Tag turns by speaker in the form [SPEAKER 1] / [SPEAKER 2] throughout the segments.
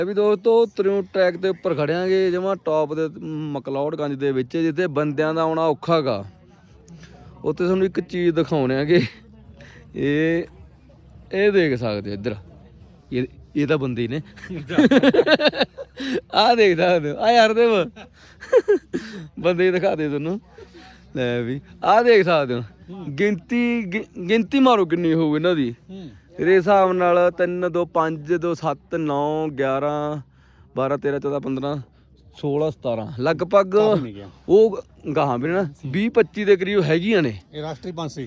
[SPEAKER 1] ਵੀ ਦੋਸਤੋ ਤਰਿਉ ਟਰੈਕ ਦੇ ਉੱਪਰ ਖੜਿਆਂਗੇ ਜਮਾ ਟੌਪ ਦੇ ਮਕਲੌਡਗੰਜ ਦੇ ਵਿੱਚ, ਜਿੱਥੇ ਬੰਦਿਆਂ ਦਾ ਆਉਣਾ ਔਖਾ ਗਾ। ਉੱਥੇ ਤੁਹਾਨੂੰ ਇੱਕ ਚੀਜ਼ ਦਿਖਾਉਣੇ ਆਗੇ, ਇਹ ਦੇਖ ਸਕਦੇ ਇੱਧਰ, ਇਹ ਤਾਂ ਬੰਦੇ ਨੇ ਆਹ ਦੇਖ ਸਕਦੇ ਆ ਯਾਰ ਦੇ ਬੰਦੇ ਦਿਖਾ ਦੇ ਤੁਹਾਨੂੰ। ਲੈ ਵੀ ਆਹ ਦੇਖ ਸਕਦੇ ਹੋ, ਗਿਣਤੀ ਮਾਰੋ ਕਿੰਨੀ ਹੋਊ ਇਹਨਾਂ ਦੀ। ਇਹਦੇ ਹਿਸਾਬ ਨਾਲ 3 2 5 2 7 9 11 12 13 14 15 16 17 ਲਗਭਗ ਉਹ ਗਾਹਾਂ ਵੀ ਨਾ 20 25 ਦੇ ਕਰੀਬ ਹੈਗੀਆਂ ਨੇ।
[SPEAKER 2] ਇਹ ਰਾਸ਼ਟਰੀ ਪੰਛੀ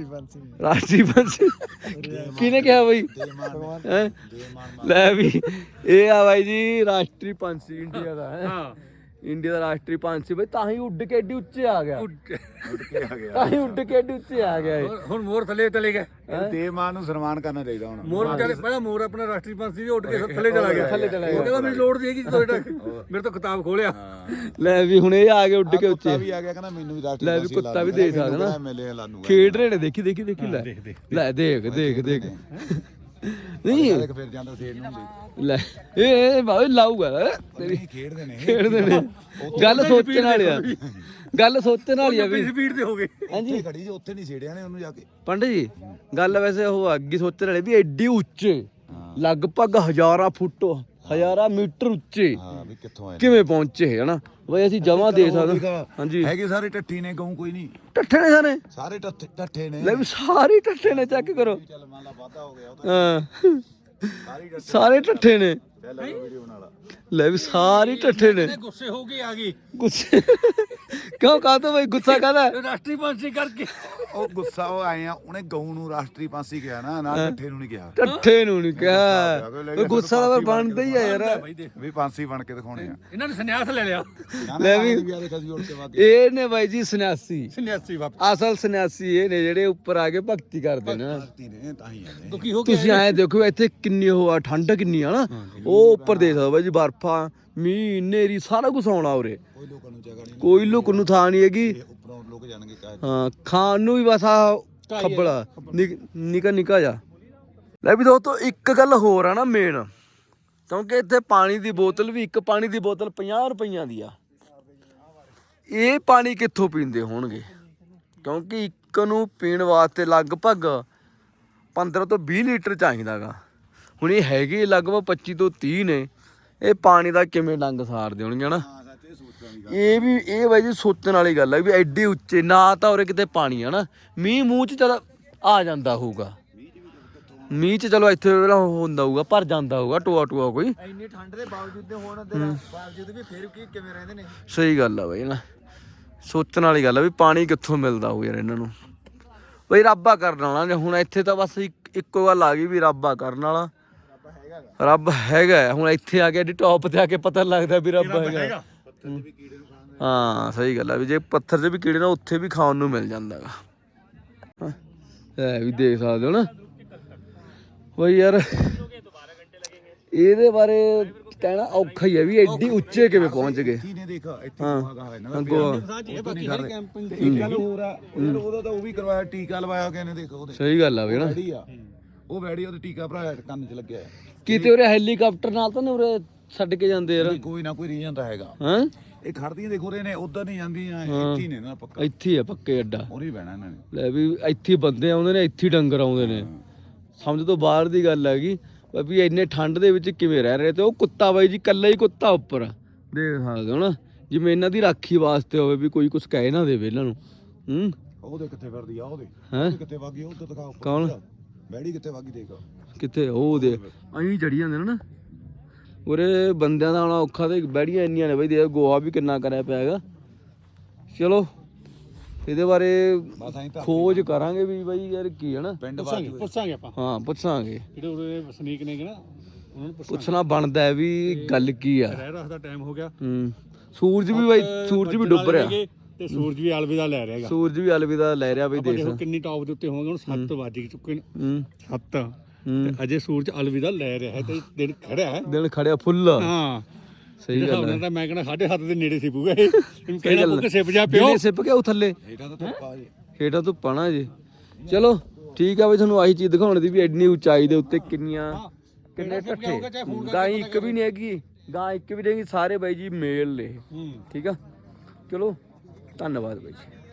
[SPEAKER 1] ਕਿਹਨੇ ਕਿਹਾ ਬਈ? ਲੈ ਵੀ ਇਹ ਆ ਬਾਈ ਜੀ ਰਾਸ਼ਟਰੀ ਪੰਛੀ ਇੰਡੀਆ ਦਾ ਹੈ। ਇੰਡੀਆ ਦਾ ਰਾਸ਼ਟਰੀ ਪੰਛੀ ਬਈ, ਤਾਂ ਹੀ ਉੱਡ ਕੇ ਏਡੀ ਉੱਚੇ ਆ ਗਿਆ। ਤਾਂ ਹੀ ਉੱਡ ਕੇ ਏਡੀ ਉੱਚੇ ਆ ਗਿਆ।
[SPEAKER 2] ਹੁਣ ਮੋਰ ਥੱਲੇ ਚਲੇ ਗਏ।
[SPEAKER 3] ਦੇਵ ਮਾਨ ਨੂੰ ਸਨਮਾਨ ਕਰਨਾ ਚਾਹੀਦਾ ਹੁਣ।
[SPEAKER 2] ਮੋਰ ਪਹਿਲਾਂ ਮੋਰ ਆਪਣਾ ਰਾਸ਼ਟਰੀ ਪੰਛੀ ਵੀ ਉੱਡ ਕੇ ਥੱਲੇ ਚਲਾ ਗਿਆ। ਉਹ ਕਹਿੰਦਾ ਮੈਨੂੰ ਲੋੜ ਨਹੀਂ ਹੈਗੀ, ਜਦੋਂ ਮੇਰੇ ਤੋਂ ਕਿਤਾਬ ਖੋਲਿਆ।
[SPEAKER 1] ਲੈ ਵੀ ਹੁਣ ਇਹ ਆ ਗਏ ਉੱਡ ਕੇ ਉੱਚੇ।
[SPEAKER 3] ਵੀ ਆ ਗਿਆ ਕਹਿੰਦਾ ਮੈਨੂੰ ਵੀ ਰਾਸ਼ਟਰੀ
[SPEAKER 1] ਲੈ ਵੀ ਕੁੱਤਾ ਵੀ ਦੇਖ ਸਕਦਾ ਨਾ, ਖੇਡ ਰਹੇ ਨੇ। ਦੇਖੀ ਦੇਖੀ ਦੇਖੀ ਲੈ ਲੈ ਦੇਖ ਦੇਖ ਦੇਖ ਨਹੀਂ
[SPEAKER 3] ਫਿਰ ਜਾਂਦਾ ਸੇਰ ਨੂੰ
[SPEAKER 1] ਲੈ ਇਹ ਬਾਈ ਲਾਊਗਾ ਤੇਰੀ। ਖੇਡਦੇ ਨੇ ਗੱਲ ਸੋਚਣ ਵਾਲੀ ਆ, ਗੱਲ ਸੋਚਣ ਵਾਲੀ ਆ ਵੀ
[SPEAKER 2] ਸਪੀਡ ਤੇ ਹੋ ਗਏ।
[SPEAKER 1] ਹਾਂਜੀ
[SPEAKER 3] ਖੜੀ ਜੀ, ਉੱਥੇ ਨਹੀਂ ਛੇੜਿਆ ਨੇ ਉਹਨੂੰ ਜਾ ਕੇ।
[SPEAKER 1] ਪੰਡਤ ਜੀ ਗੱਲ ਵੈਸੇ ਉਹ ਅੱਗੇ ਸੋਚਣ ਵਾਲੀ ਵੀ ਐਡੀ ਉੱਚੇ, ਲਗਭਗ 1000 ਫੁੱਟ 1000 ਮੀਟਰ ਉੱਚੇ
[SPEAKER 3] ਵੀ ਕਿੱਥੋਂ ਆਏ
[SPEAKER 1] ਕਿਵੇਂ ਪਹੁੰਚੇ ਹਨਾ ਬਈ। ਅਸੀਂ ਜਮਾਂ ਦੇ ਸਕਦੇ। ਹਾਂਜੀ
[SPEAKER 3] ਹੈਗੇ ਸਾਰੇ ਟੱਠੀ ਨੇ, ਗਊ ਕੋਈ ਨਹੀਂ।
[SPEAKER 1] ਟੱਠੇ ਨੇ ਸਾਰੇ,
[SPEAKER 3] ਸਾਰੇ ਟੱਠੇ ਨੇ।
[SPEAKER 1] ਲੈ ਵੀ ਸਾਰੇ ਟੱਠੇ ਨੇ, ਚੈੱਕ ਕਰੋ।
[SPEAKER 3] ਚੱਲ ਮੰਨ ਲਾ ਵਾਧਾ ਹੋ ਗਿਆ
[SPEAKER 1] ਹਾਂ ਸਾਰੇ ਟੱਠੇ ਨੇ।
[SPEAKER 3] ਵੀਡੀਓ ਬਣਾ ਲਾ।
[SPEAKER 1] ਲੈ ਵੀ ਸਾਰੇ ਟੱਠੇ ਨੇ।
[SPEAKER 2] ਗੁੱਸੇ ਹੋ ਕੇ ਆ ਗਈ।
[SPEAKER 1] ਗੁੱਸੇ ਕਿਉਂ ਕਾਹਤੋਂ ਬਈ? ਗੁੱਸਾ ਕਾਹਦਾ?
[SPEAKER 2] ਰਾਸ਼ਟਰੀ ਪੰਛੀ ਕਰਕੇ
[SPEAKER 3] ਉਹ ਗੁੱਸਾ ਉਹ ਆਏ ਆ, ਉਹਨੇ ਗਊ ਨੂੰ ਰਾਸ਼ਟਰੀ ਪੰਛੀ ਕਿਹਾ ਨਾ, ਨਾ ਟੱਠੇ ਨੂੰ ਨਹੀਂ ਕਿਹਾ।
[SPEAKER 1] ਟੱਠੇ ਨੂੰ ਨਹੀਂ ਕਿਹਾ। ਗੁੱਸਾ ਤਾਂ ਬਣਦਾ ਹੀ ਆ ਯਾਰ,
[SPEAKER 3] ਵੀ ਪੰਛੀ ਬਣ ਕੇ ਦਿਖਾਉਣੇ ਆ।
[SPEAKER 2] ਇਹਨਾਂ ਨੇ ਸੰਨਿਆਸ ਲੈ ਲਿਆ।
[SPEAKER 1] ਲੈ ਵੀ ਇਹ ਨੇ ਬਾਈ ਜੀ ਸੰਨਿਆਸੀ,
[SPEAKER 2] ਸੰਨਿਆਸੀ
[SPEAKER 1] ਅਸਲ ਸੰਨਿਆਸੀ ਇਹ ਨੇ ਜਿਹੜੇ ਉੱਪਰ ਆ ਕੇ ਭਗਤੀ ਕਰਦੇ ਨੇ।
[SPEAKER 3] ਤਾਂ ਹੀ ਆਏ।
[SPEAKER 2] ਦੁਖੀ ਹੋ ਕੇ
[SPEAKER 1] ਤੁਸੀਂ ਐਂ ਦੇਖੋ ਇੱਥੇ ਕਿੰਨੀ ਉਹ ਆ, ਠੰਡ ਕਿੰਨੀ ਆ ਨਾ। ਉਹ ਉੱਪਰ ਦੇਖ ਸਕਦੇ ਬਾਈ ਜੀ, ਬਰਫਾਂ ਮੀਂਹ ਨੇਰੀ ਸਾਰਾ ਕੁਝ ਆਉਣਾ ਉਰੇ। ਕੋਈ ਲੁਕ ਨੂੰ ਥਾਂ ਨਹੀਂ ਹੈਗੀ।
[SPEAKER 3] ਉੱਪਰੋਂ ਲੋਕ ਜਾਣਗੇ
[SPEAKER 1] ਹਾਂ ਖਾਣ ਨੂੰ ਵੀ ਬਸ ਆ ਖੱਬਲਾ ਨਿੱਕਾ ਨਿੱਕਾ ਜਾ। ਲੈ ਵੀ ਦੋਸਤੋ ਇੱਕ ਗੱਲ ਹੋਰ ਆ ਨਾ ਮੇਨ, ਕਿਉਂਕਿ ਇੱਥੇ ਪਾਣੀ ਦੀ ਬੋਤਲ ਵੀ, ਇੱਕ ਪਾਣੀ ਦੀ ਬੋਤਲ 50 ਰੁਪਈਆਂ ਦੀ ਆ। ਇਹ ਪਾਣੀ ਕਿੱਥੋਂ ਪੀਂਦੇ ਹੋਣਗੇ? ਕਿਉਂਕਿ ਇੱਕ ਨੂੰ ਪੀਣ ਵਾਸਤੇ ਲਗਭਗ 15 ਤੋਂ 20 ਲੀਟਰ ਚਾਹੀਦਾ ਗਾ। ਹੁਣ ਇਹ ਹੈਗੇ ਲਗਭਗ 25 ਤੋਂ 30 ਨੇ। ਇਹ ਪਾਣੀ ਦਾ ਕਿਵੇਂ ਡੰਗ ਸਾਰਦੇ ਹੋਣਗੇ ਨਾ। ਇਹ ਵੀ ਇਹ ਬਾਈ ਜੀ ਸੋਚਣ ਵਾਲੀ ਗੱਲ ਹੈ ਵੀ ਐਡੇ ਉੱਚੇ, ਨਾ ਤਾਂ ਉਰੇ ਕਿਤੇ ਪਾਣੀ ਆ ਨਾ। ਮੀਂਹ ਮੂੰਹ ਚ ਚਲ ਆ ਜਾਂਦਾ ਹੋਊਗਾ, ਮੀਂਹ ਚ ਚਲੋ ਇੱਥੇ ਹੁੰਦਾ ਹੋਊਗਾ, ਭਰ ਜਾਂਦਾ ਹੋਊਗਾ ਟੋਆ ਟੋਆ ਕੋਈ।
[SPEAKER 3] ਇੰਨੀ ਠੰਡ ਦੇ ਬਾਵਜੂਦ ਬਾਵਜੂਦ ਵੀ ਫਿਰ ਕੀ ਕਿਵੇਂ ਰਹਿੰਦੇ ਨੇ।
[SPEAKER 1] ਸਹੀ ਗੱਲ ਆ ਬਾਈ ਨਾ, ਸੋਚਣ ਵਾਲੀ ਗੱਲ ਆ ਵੀ ਪਾਣੀ ਕਿੱਥੋਂ ਮਿਲਦਾ ਹੋਊ ਯਾਰ ਇਹਨਾਂ ਨੂੰ। ਬਈ ਰੱਬਾ ਕਰਨ ਵਾਲਾ। ਹੁਣ ਇੱਥੇ ਤਾਂ ਬਸ ਇੱਕੋ ਗੱਲ ਆ ਗਈ ਵੀ ਰੱਬਾ ਕਰਨ ਵਾਲਾ। ਰੱਬ ਹੈਗਾ। ਹੁਣ ਇੱਥੇ ਆ ਕੇ ਐਡੀ ਟੌਪ ਤੇ ਆ ਕੇ ਪਤਾ ਲੱਗਦਾ ਵੀ ਰੱਬ ਹੈਗਾ। ਹਾਂ ਸਹੀ ਗੱਲ ਆ ਵੀ ਜੇ ਪੱਥਰ 'ਚ ਵੀ ਕੀੜੇ ਨਾ, ਉੱਥੇ ਵੀ ਖਾਣ ਨੂੰ ਮਿਲ ਜਾਂਦਾ ਗਾ। ਇਹ ਵੀ ਦੇਖ ਸਕਦੇ ਹੋ ਨਾ ਬਈ ਯਾਰ, ਇਹਦੇ ਬਾਰੇ ਕਹਿਣਾ ਔਖਾ ਹੀ ਹੈ ਵੀ ਐਡੀ ਉੱਚੇ ਕਿਵੇਂ ਪਹੁੰਚ ਗਏ।
[SPEAKER 3] ਉਹਦਾ ਤਾਂ ਉਹ ਵੀ ਕਰਵਾਇਆ, ਟੀਕਾ ਲਵਾਇਆ ਕਿਸੇ ਨੇ। ਦੇਖੋ
[SPEAKER 1] ਸਹੀ ਗੱਲ ਆ ਵੀ ਨਾ,
[SPEAKER 3] ਉਹ ਵੈੜੀ ਉਹਦੇ ਟੀਕਾ ਭਰਾਇਆ ਕੰਨ 'ਚ ਲੱਗਿਆ।
[SPEAKER 1] ਕਿਤੇ ਉਰੇ ਹੈਲੀਕਾਪਟਰ ਨਾਲ ਤਾਂ ਨੀ ਉਰੇ ਛੱਡ ਕੇ ਜਾਂਦੇ ਯਾਰ।
[SPEAKER 3] ਕੋਈ ਨਾ ਕੋਈ ਰੀਜਨ ਤਾਂ ਹੈਗਾ।
[SPEAKER 1] ਹਾਂ
[SPEAKER 3] ਇਹ ਖੜਦੀਆਂ ਦੇਖੋ ਰੇ ਨੇ, ਉਧਰ ਨਹੀਂ ਜਾਂਦੀਆਂ, ਇੱਥੇ ਹੀ ਨੇ ਨਾ ਪੱਕਾ।
[SPEAKER 1] ਇੱਥੇ ਆ ਪੱਕੇ ਅੱਡਾ,
[SPEAKER 3] ਉਰੇ ਬਹਿਣਾ ਇਹਨਾਂ ਨੇ।
[SPEAKER 1] ਲੈ ਵੀ ਇੱਥੇ ਬੰਦੇ ਆਉਂਦੇ ਨੇ, ਇੱਥੇ ਡੰਗਰ ਆਉਂਦੇ ਨੇ। ਸਮਝ ਤੋਂ ਬਾਹਰ ਦੀ ਗੱਲ ਹੈਗੀ ਵੀ ਇੰਨੇ ਠੰਡ ਦੇ ਵਿੱਚ ਕਿਵੇਂ ਰਹਿ ਰਹੇ। ਤੇ ਉਹ ਕੁੱਤਾ ਬਾਈ ਜੀ ਇਕੱਲਾ ਹੀ ਕੁੱਤਾ ਉੱਪਰ ਦੇਖ ਸਕਦੇ ਹੋ ਨਾ, ਜਿਵੇਂ ਇਹਨਾਂ ਦੀ ਰਾਖੀ ਵਾਸਤੇ ਹੋਵੇ ਵੀ ਕੋਈ ਕੁਝ ਕਹਿ ਨਾ ਦੇਵੇ ਇਹਨਾਂ ਨੂੰ।
[SPEAKER 3] ਉਹਦੇ ਕਿੱਥੇ ਫਿਰਦੀ ਆ? ਉਹਦੇ ਕਿੱਥੇ ਵਾਗੀ? ਉਧਰ ਦਿਖਾ।
[SPEAKER 1] ਕੌਣ?
[SPEAKER 3] ਬੈੜੀ ਕਿੱਥੇ ਵਾਗੀ? ਦੇਖ
[SPEAKER 1] ਕਿੱਥੇ ਉਹ ਦੇ ਅਹੀਂ ਚੜੀ ਜਾਂਦੇ ਨੇ ਨਾ ਉਰੇ। ਬੰਦਿਆਂ ਦਾ ਆਉਣਾ ਔਖਾ ਤੇ ਬੈੜੀਆਂ ਇੰਨੀਆਂ ਨੇ ਬਈ। ਦੇ ਗੋਆ ਵੀ ਕਿੰਨਾ ਕਰਿਆ ਪਿਆ ਹੈਗਾ। ਚਲੋ ਇਹਦੇ ਬਾਰੇ ਖੋਜ ਕਰਾਂਗੇ ਵੀ ਬਾਈ ਯਾਰ ਕੀ ਹੈ ਨਾ।
[SPEAKER 2] ਪੁੱਛਾਂਗੇ ਆਪਾਂ।
[SPEAKER 1] ਹਾਂ ਪੁੱਛਾਂਗੇ,
[SPEAKER 2] ਜਿਹੜੇ ਉਰੇ ਵਸਨੀਕ ਨੇ ਨਾ ਉਹਨਾਂ ਨੂੰ
[SPEAKER 1] ਪੁੱਛਣਾ ਬਣਦਾ ਹੈ ਵੀ ਗੱਲ ਕੀ ਆ।
[SPEAKER 2] ਰਹਿ ਦਾ ਟਾਈਮ ਹੋ ਗਿਆ।
[SPEAKER 1] ਸੂਰਜ ਵੀ ਬਾਈ, ਸੂਰਜ ਵੀ ਡੁੱਬ ਰਿਹਾ
[SPEAKER 2] ਤੇ ਸੂਰਜ ਵੀ ਅਲਵਿਦਾ ਲੈ ਰਿਹਾਗਾ।
[SPEAKER 1] ਸੂਰਜ ਵੀ ਅਲਵਿਦਾ ਲੈ ਰਿਹਾ ਬਈ। ਦੇਖ
[SPEAKER 2] ਕਿੰਨੀ ਟੌਪ ਦੇ ਉੱਤੇ ਹੋਵਾਂਗੇ। ਹੁਣ 7 ਵੱਜ ਚੁੱਕੇ ਨੇ। 7 ਤੇ ਅਜੇ ਸੂਰਜ ਅਲਵਿਦਾ ਲੈ ਰਿਹਾ ਹੈ ਤੇ ਦਿਨ ਖੜਿਆ ਹੈ।
[SPEAKER 1] ਦਿਨ ਖੜਿਆ ਫੁੱਲ।
[SPEAKER 2] ਹਾਂ
[SPEAKER 1] ਸਹੀ ਗੱਲ ਹੈ।
[SPEAKER 2] ਤਾਂ ਮੈਂ ਕਹਿੰਦਾ 7:30 ਦੇ ਨੇੜੇ ਸੀ ਪੂਗਾ ਇਹ। ਕਹਿੰਦਾ ਪੁੱਕ ਸਿਪ ਜਾ ਪਿਓ।
[SPEAKER 1] ਸਿਪ ਕੇ ਉਹ ਥੱਲੇ
[SPEAKER 3] ਹੇਠਾਂ ਤੋਂ ਧੁੱਪਾ ਜੀ,
[SPEAKER 1] ਹੇਠਾਂ ਤੋਂ ਪਾਣਾ ਜੀ। ਚਲੋ ਠੀਕ ਆ ਬਈ, ਤੁਹਾਨੂੰ ਆਹੀ ਚੀਜ਼ ਦਿਖਾਉਣ ਦੀ ਵੀ ਐਡੀ ਉਚਾਈ ਦੇ ਉੱਤੇ ਕਿੰਨੀਆਂ ਕਿੰਨੇ
[SPEAKER 2] ਕਿਹੜਾ
[SPEAKER 1] ਢੱਠੇ
[SPEAKER 2] ਚਾਹੇ ਫੋਨ ਕਰਕੇ
[SPEAKER 1] ਗਾਈ
[SPEAKER 2] ਪਤਾ
[SPEAKER 1] ਇੱਕ ਵੀ ਨਹੀਂ ਹੈਗੀ ਗਾਂ ਇੱਕ ਵੀ ਨਹੀਂ ਹੈਗੀ ਸਾਰੇ ਬਾਈ ਜੀ ਮੇਲ ਨੇ
[SPEAKER 2] ਹੂੰ
[SPEAKER 1] ਠੀਕ ਆ ਚਲੋ ਧੰਨਵਾਦ ਬਾਈ ਜੀ